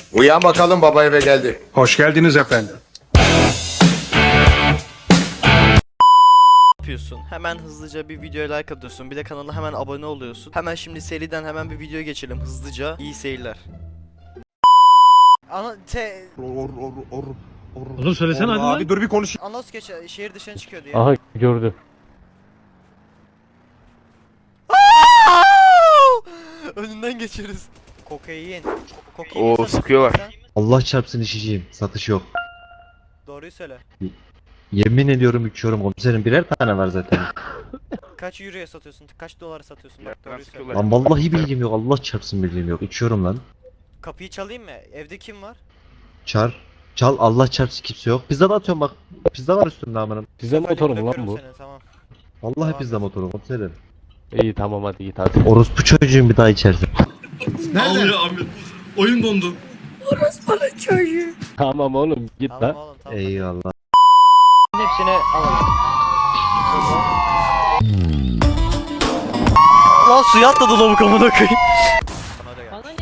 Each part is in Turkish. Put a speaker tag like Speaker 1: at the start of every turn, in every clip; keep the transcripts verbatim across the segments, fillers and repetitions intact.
Speaker 1: Uyan bakalım, baba eve geldi.
Speaker 2: Hoş geldiniz efendim.
Speaker 3: Yapıyorsun. Hemen hızlıca bir videoya like atıyorsun. Bir de kanala hemen abone oluyorsun. Hemen şimdi seriden hemen bir video geçelim hızlıca. İyi seyirler. Ana te
Speaker 1: Or, or, or, or.
Speaker 4: Oğlum söylesene hadi lan.
Speaker 1: Abi dur bir konuş.
Speaker 3: Anons geç şehir dışına çıkıyor diye.
Speaker 5: Aha gördü.
Speaker 3: Önünden geçeriz. Kokain. Kokain.
Speaker 6: Oo, sıkıyorlar.
Speaker 7: Allah çarpsın içeceğim. Satış yok.
Speaker 3: Doğruyu söyle.
Speaker 7: Yemin ediyorum içiyorum komiserim. Birer tane var zaten.
Speaker 3: Kaç euroya satıyorsun? Kaç dolara satıyorsun? Bak doğruyu söyle.
Speaker 6: sıkıyorlar.
Speaker 7: Lan vallahi bilgim yok. Allah çarpsın bilgim yok. İçiyorum lan.
Speaker 3: Kapıyı çalayım mı? Evde kim var?
Speaker 7: Çar. Çal Allah çarpsın kimse yok. Pizza da atıyorum bak. Pizza var üstümde amınım.
Speaker 5: Pizza motoru mu lan
Speaker 3: Bırakıyorum
Speaker 5: bu?
Speaker 3: seni, tamam.
Speaker 7: Vallahi
Speaker 3: Tamam.
Speaker 7: pizza motoru komiserim.
Speaker 5: İyi tamam hadi git hadi.
Speaker 7: Orospu çocuğun bir daha içersin.
Speaker 4: Nerede? abi. Oyun dondu.
Speaker 5: Tamam oğlum git
Speaker 3: Tamam
Speaker 5: lan.
Speaker 3: oğlum tamam.
Speaker 7: Eyvallah.
Speaker 3: Hepsini alalım. Lan suya atladı lavuk amına koyayım. Bana da gel.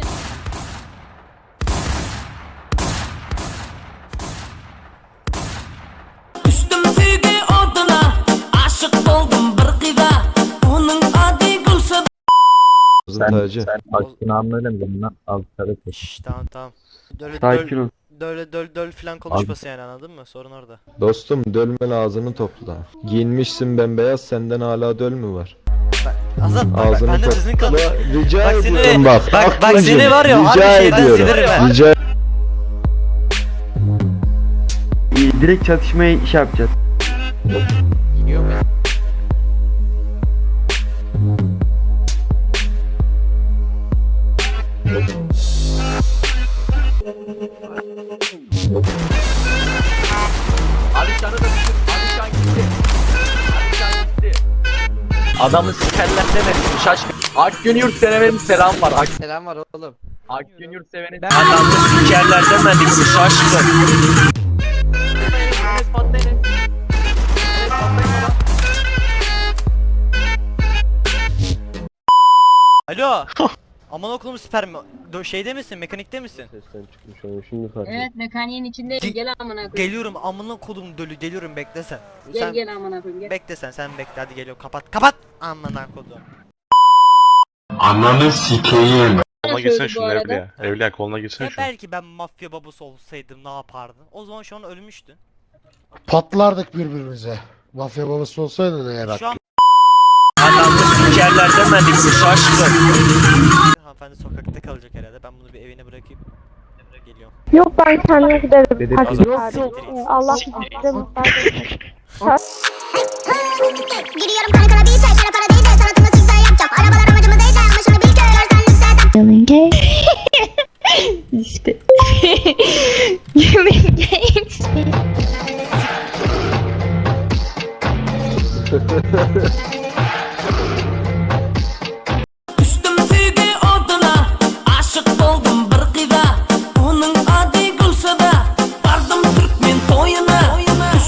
Speaker 8: Düştüm sevgi oduna, aşık oldum bir kıza. Onun adı Gülsüm.
Speaker 7: Sen, tacı.
Speaker 3: Sen
Speaker 7: aklını öyle mi dedin lan? Al sarı.
Speaker 3: Şşş tamam tamam. Döl
Speaker 6: Sakin
Speaker 3: döl,
Speaker 6: ol.
Speaker 3: döl döl döl filan konuşmasın yani, anladın mı? Sorun orada.
Speaker 9: Dostum dölmen ağzını topla. Giyinmişsin bembeyaz, senden hala döl mü var?
Speaker 3: Azat bak, bak
Speaker 9: Ağzını
Speaker 3: benden
Speaker 9: topla.
Speaker 3: düzgün konuş.
Speaker 9: Rica
Speaker 3: Bak seni-
Speaker 9: ediyorum bak.
Speaker 3: Bak bak
Speaker 9: Aklıcım,
Speaker 3: seni var ya harbi
Speaker 9: rica
Speaker 3: şeyden
Speaker 9: ediyorum.
Speaker 3: siniririm ha.
Speaker 9: Rica
Speaker 6: Direkt çatışmayı şey yapacağız.
Speaker 10: Adamı sikerler demesin şaşkın. Akgün yurt sevenin selam var. Ak
Speaker 3: Selam var oğlum.
Speaker 10: Akgün yurt sevenin adamı sikerler demedik mi şaşkın.
Speaker 3: Alo. Aman okulum sperm. Do- Şeyde misin? Mekanikte misin?
Speaker 11: Evet, mekaniğin içindeyim. Gel amına koyayım.
Speaker 3: Geliyorum amına kodum dölü geliyorum, bekle sen.
Speaker 11: Gel
Speaker 3: Sen
Speaker 11: gel amına koyayım. Gel.
Speaker 3: bekle sen sen bekle, hadi geliyorum, kapat kapat amına kodum.
Speaker 1: Ananı sikeyim.
Speaker 11: Koluna gitsene şunun evliya.
Speaker 2: Evliya koluna gitsene
Speaker 3: Ya belki ben mafya babası olsaydım ne yapardın? O zaman şu an ölmüştün.
Speaker 1: Patlardık birbirimize. Mafya babası olsaydın eğer.
Speaker 3: Şu an
Speaker 10: Adamı sikerler demedik mi şaşkın.
Speaker 3: hanımefendi sokakta kalacak herhalde. Ben bunu bir evine bırakayım. Geliyorum.
Speaker 11: Yok ben kendime giderim. Hadi
Speaker 3: Siktir.
Speaker 11: Allah size mutlaka.
Speaker 8: Giriyorum kana kana bir çay para para.